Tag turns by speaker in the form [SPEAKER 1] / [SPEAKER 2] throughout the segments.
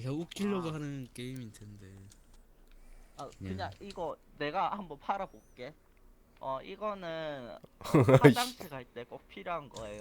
[SPEAKER 1] 그냥 웃기려고 하는 게임일 텐데.
[SPEAKER 2] 아, 그냥 이거 내가 한번 팔아볼게. 이거는
[SPEAKER 3] 아이씨.
[SPEAKER 2] 화장실 갈 때 꼭 필요한 거예요.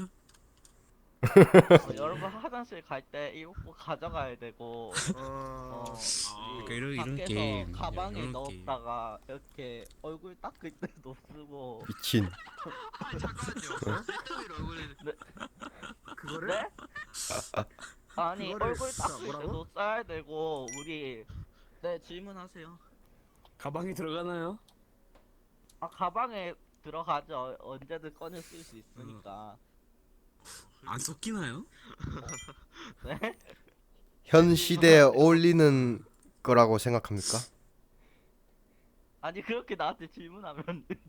[SPEAKER 2] 여러분 화장실 갈 때 이거 꼭 가져가야 되고,
[SPEAKER 1] 그러니까
[SPEAKER 2] 우리
[SPEAKER 1] 이런
[SPEAKER 2] 밖에서
[SPEAKER 1] 게임,
[SPEAKER 2] 가방에
[SPEAKER 1] 이런
[SPEAKER 2] 넣었다가 이렇게 얼굴 닦을 때도 쓰고.
[SPEAKER 3] 미친.
[SPEAKER 4] 아니 잠깐만요. 셀카미로 얼굴
[SPEAKER 2] 네?
[SPEAKER 5] 그거를?
[SPEAKER 2] 네? 아니
[SPEAKER 5] 그거를
[SPEAKER 2] 얼굴
[SPEAKER 5] 진짜
[SPEAKER 2] 닦을
[SPEAKER 5] 뭐라고?
[SPEAKER 2] 때도 써야 되고 우리. 네, 질문하세요.
[SPEAKER 1] 가방에 들어가나요?
[SPEAKER 2] 아, 가방에 들어가죠. 언제든 꺼내 쓸 수 있으니까.
[SPEAKER 1] 안 섞이나요?
[SPEAKER 2] 네?
[SPEAKER 3] 현 시대에 어울리는 거라고 생각합니까?
[SPEAKER 2] 아니 그렇게 나한테 질문하면 안 되지.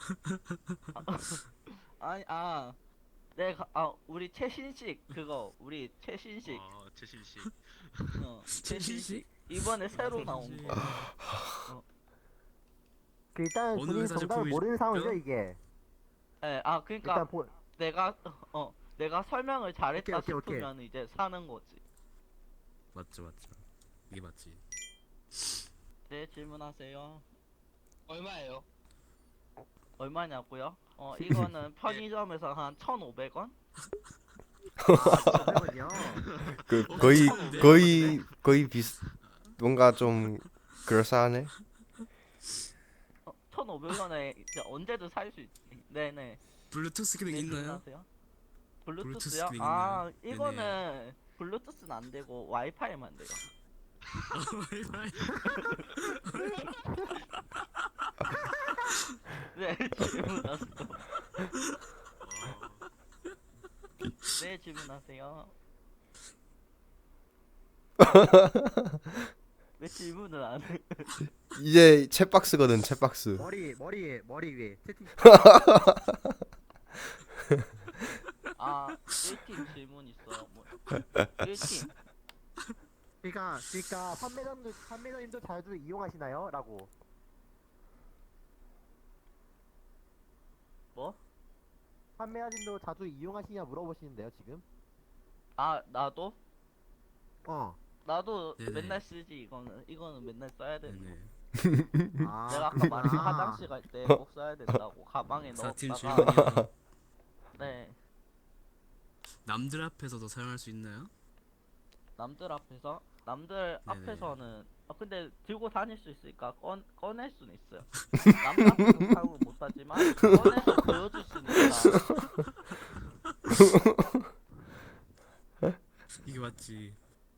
[SPEAKER 2] 아니 우리 최신식 그거 우리 최신식
[SPEAKER 4] 최신식.
[SPEAKER 2] 최신식 이번에 새로 나온 거.
[SPEAKER 5] 일단
[SPEAKER 1] 어느
[SPEAKER 5] 본인
[SPEAKER 1] 회사
[SPEAKER 5] 정답을
[SPEAKER 1] 제품이죠?
[SPEAKER 5] 모르는 상황이죠 이게.
[SPEAKER 2] 네, 그러니까
[SPEAKER 5] 일단 보
[SPEAKER 2] 내가 설명을 잘했다
[SPEAKER 5] 오케이, 오케이.
[SPEAKER 2] 싶으면 이제 사는 거지.
[SPEAKER 1] 맞죠. 이게 맞지.
[SPEAKER 2] 네, 질문하세요.
[SPEAKER 4] 얼마예요?
[SPEAKER 2] 얼마냐고요? 이거는 편의점에서 한 1,500원?
[SPEAKER 5] 잠깐만요.
[SPEAKER 3] 그
[SPEAKER 1] 어,
[SPEAKER 3] 거의
[SPEAKER 1] 괜찮은데요?
[SPEAKER 3] 거의 뭔가 좀 그럴싸하네.
[SPEAKER 2] 1,500원에 이제 언제든 살 수 있지. 네네.
[SPEAKER 1] 블루투스 기능
[SPEAKER 2] 네,
[SPEAKER 1] 있나요?
[SPEAKER 2] 질문하세요.
[SPEAKER 1] 블루투스
[SPEAKER 2] 블루투스요?
[SPEAKER 1] 기능 있나요?
[SPEAKER 2] 이거는 블루투스는 안 되고 와이파이만 돼요. 네, 질문하세요. 네, 질문하세요. 왜 질문을 안 해?
[SPEAKER 3] 이제 챗박스거든, 챗박스.
[SPEAKER 5] 머리 위에 채팅.
[SPEAKER 2] 1팀 질문 있어요. 1팀.
[SPEAKER 5] 그러니까 판매자님도 자주 이용하시나요? 라고.
[SPEAKER 2] 뭐?
[SPEAKER 5] 판매자님도 자주 이용하시냐 물어보시는데요 지금.
[SPEAKER 2] 나도? 나도
[SPEAKER 1] 네네.
[SPEAKER 2] 맨날 쓰지. 이거는 맨날 써야 되는 거.
[SPEAKER 1] 네네.
[SPEAKER 2] 내가 아까 말한
[SPEAKER 5] 그렇구나.
[SPEAKER 2] 화장실 갈 때 꼭 써야 된다고 가방에
[SPEAKER 1] 4팀
[SPEAKER 2] 넣었다가.
[SPEAKER 1] 질문이요.
[SPEAKER 2] 네,
[SPEAKER 1] 남들 앞에서도 사용할 수 있나요?
[SPEAKER 2] 남들
[SPEAKER 1] 네네.
[SPEAKER 2] 앞에서는 근데 들고 다닐 수 있으니까 꺼낼 수는 있어요. 남들 앞에서 사용은 못하지만 꺼내서 보여줄 수는 있다.
[SPEAKER 1] 이게 맞지.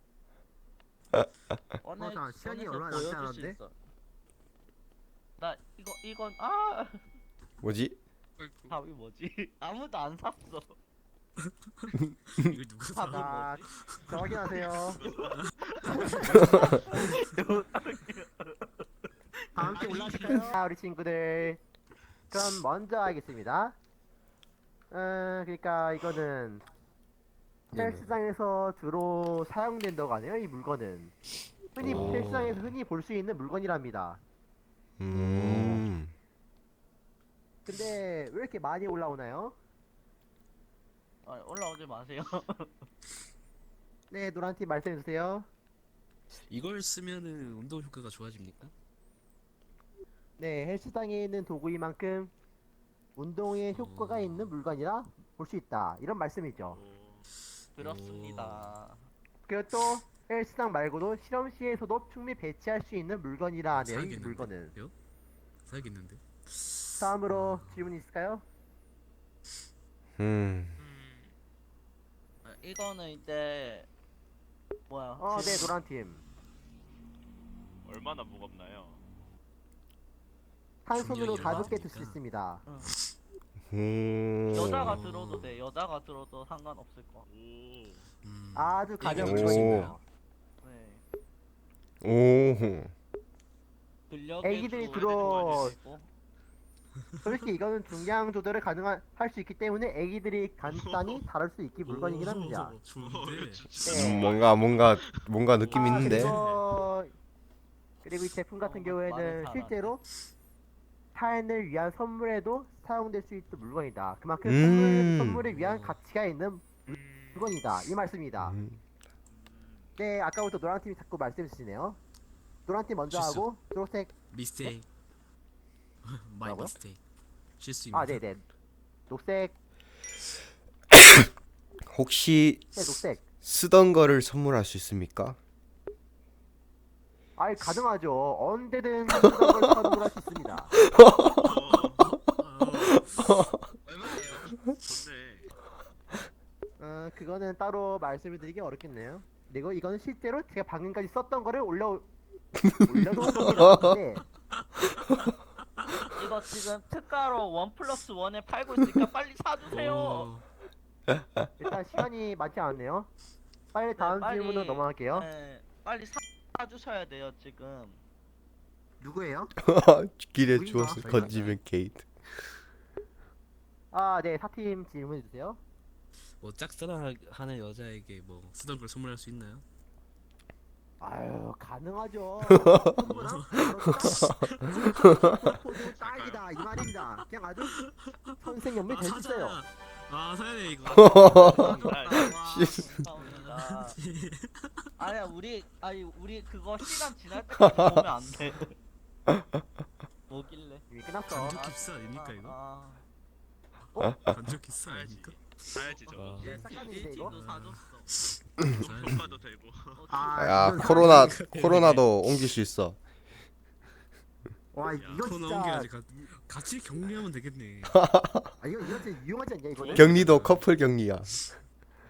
[SPEAKER 5] 잠깐, 시간이
[SPEAKER 2] 꺼내서
[SPEAKER 5] 얼마 남지
[SPEAKER 2] 보여줄 수
[SPEAKER 5] 않았는데?
[SPEAKER 2] 있어. 나 이건
[SPEAKER 3] 뭐지?
[SPEAKER 2] 답이 뭐지? 아무도 안 샀어.
[SPEAKER 1] 이걸 누가 사?
[SPEAKER 2] 답이
[SPEAKER 5] 자,
[SPEAKER 2] 뭐지?
[SPEAKER 5] 자 확인하세요. 다 함께 올라가실까요? 자, 우리 친구들. 그럼 먼저 하겠습니다. 그러니까 이거는
[SPEAKER 3] 네네.
[SPEAKER 5] 헬스장에서 주로 사용된다고 하네요. 이 물건은
[SPEAKER 3] 오.
[SPEAKER 5] 헬스장에서 흔히 볼 수 있는 물건이랍니다.
[SPEAKER 3] 음.
[SPEAKER 5] 근데 왜 이렇게 많이 올라오나요?
[SPEAKER 2] 올라오지 마세요.
[SPEAKER 5] 네, 노란팀 말씀해주세요.
[SPEAKER 1] 이걸 쓰면은 운동 효과가 좋아집니까?
[SPEAKER 5] 네, 헬스장에 있는 도구인 만큼 운동에 효과가 있는 물건이라 볼 수 있다. 이런 말씀이죠.
[SPEAKER 2] 그렇습니다.
[SPEAKER 5] 그리고 또 헬스장 말고도 실험실에서도 충분히 배치할 수 있는 물건이라 하네요. 이
[SPEAKER 1] 사야겠는데?
[SPEAKER 5] 물건은.
[SPEAKER 1] 요? 사야겠는데?
[SPEAKER 5] 다음으로 질문 있을까요?
[SPEAKER 3] 음.
[SPEAKER 2] 이거는 이제 뭐야?
[SPEAKER 5] 네, 노란팀.
[SPEAKER 4] 얼마나 무겁나요?
[SPEAKER 5] 한 손으로
[SPEAKER 1] 중량이
[SPEAKER 5] 가볍게
[SPEAKER 1] 얼마나
[SPEAKER 5] 들 수
[SPEAKER 1] 됩니까?
[SPEAKER 5] 있습니다.
[SPEAKER 2] 여자가 들어도 돼. 여자가 들어도 상관없을 거.
[SPEAKER 5] 아주 가벼운
[SPEAKER 1] 애기도
[SPEAKER 5] 물건이에요.
[SPEAKER 2] 네.
[SPEAKER 3] 오.
[SPEAKER 2] 근력에
[SPEAKER 5] 애기들이
[SPEAKER 2] 도
[SPEAKER 5] 들어-
[SPEAKER 2] 있고.
[SPEAKER 5] 솔직히 이거는 중량 조절을 할 수 있기 때문에 애기들이 간단히 다룰 수 있기 물건이긴 합니다.
[SPEAKER 1] 좋은데.
[SPEAKER 5] 네.
[SPEAKER 3] 뭔가 느낌 있는데.
[SPEAKER 5] 그리고 이 제품 같은
[SPEAKER 2] 말을
[SPEAKER 5] 경우에는
[SPEAKER 2] 잘하네.
[SPEAKER 5] 실제로 타인을 위한 선물에도 사용될 수 있는 물건이다. 그만큼 선물을 위한 가치가 있는 물건이다. 이 말씀이다.
[SPEAKER 3] 음.
[SPEAKER 5] 네, 아까부터 노란 팀이 자꾸 말씀 주시네요. 노란 팀 먼저
[SPEAKER 1] 실수.
[SPEAKER 5] 하고 초록색.
[SPEAKER 1] 미스테이크. 마이
[SPEAKER 5] 뭐라고요?
[SPEAKER 1] 미스테이크. 실수입니다.
[SPEAKER 5] 아, 네네. 녹색.
[SPEAKER 3] 혹시
[SPEAKER 5] 네, 녹색.
[SPEAKER 3] 쓰던 거를 선물할 수 있습니까?
[SPEAKER 5] 아이, 가능하죠. 언제든 쓰던 걸 선물할 수 있습니다.
[SPEAKER 4] 얼마예요? 좋네.
[SPEAKER 5] 그거는 따로 말씀을 드리기 어렵겠네요. 그리고 이거는 실제로 제가 방금까지 썼던 거를 올려놓은 겁니다.
[SPEAKER 2] 이거 지금 특가로 1+1에 팔고 있으니까 빨리 사주세요.
[SPEAKER 1] 어,
[SPEAKER 5] 일단 시간이 많지 않네요. 빨리 다음
[SPEAKER 2] 빨리,
[SPEAKER 5] 질문으로 넘어갈게요.
[SPEAKER 2] 네, 빨리 사주셔야 돼요 지금.
[SPEAKER 5] 누구예요?
[SPEAKER 3] 길에
[SPEAKER 5] 보인다.
[SPEAKER 3] 주워서 건지면 게이트.
[SPEAKER 5] 아, 네, 4팀 질문해 주세요.
[SPEAKER 1] 뭐 짝사랑하는 여자에게 뭐 쓰던 걸 선물할 수 있나요?
[SPEAKER 5] 아유, 가능하죠. 포도 딱이다 이 말입니다. 그냥 아주 선생연맹
[SPEAKER 1] 아
[SPEAKER 5] 됐어요.
[SPEAKER 1] 사자야. 아 사야네 이거.
[SPEAKER 2] 감사합니다. 아니야 우리 그거 시간 지날 때까지 보면 안 돼. 뭐길래?
[SPEAKER 5] 이미 끝났어.
[SPEAKER 1] 간접 깁스 아닙니까 이거?
[SPEAKER 2] 아,
[SPEAKER 1] 간접 깁스
[SPEAKER 4] 사야지.
[SPEAKER 1] 아닙니까?
[SPEAKER 4] 사야지 저거.
[SPEAKER 1] 와.
[SPEAKER 5] 네, 싹가는데 이거.
[SPEAKER 2] 일찍도 사줬어.
[SPEAKER 1] 사야지.
[SPEAKER 4] 돈 봐도 되고.
[SPEAKER 3] 야
[SPEAKER 5] 이건
[SPEAKER 3] 코로나도 옮길 수 있어.
[SPEAKER 5] 와, 이거
[SPEAKER 1] 코너
[SPEAKER 5] 진짜.
[SPEAKER 1] 옮겨야지. 같이 격리하면 되겠네.
[SPEAKER 5] 아, 이거 진짜 유용하지 않냐 이거는?
[SPEAKER 3] 격리도 커플 격리야.
[SPEAKER 5] 아,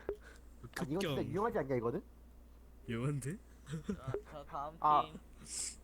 [SPEAKER 5] 이거 진짜
[SPEAKER 1] 급경.
[SPEAKER 5] 유용하지 않냐 이거는?
[SPEAKER 1] 영한데?
[SPEAKER 2] 자 다음
[SPEAKER 5] 아.
[SPEAKER 2] 팀.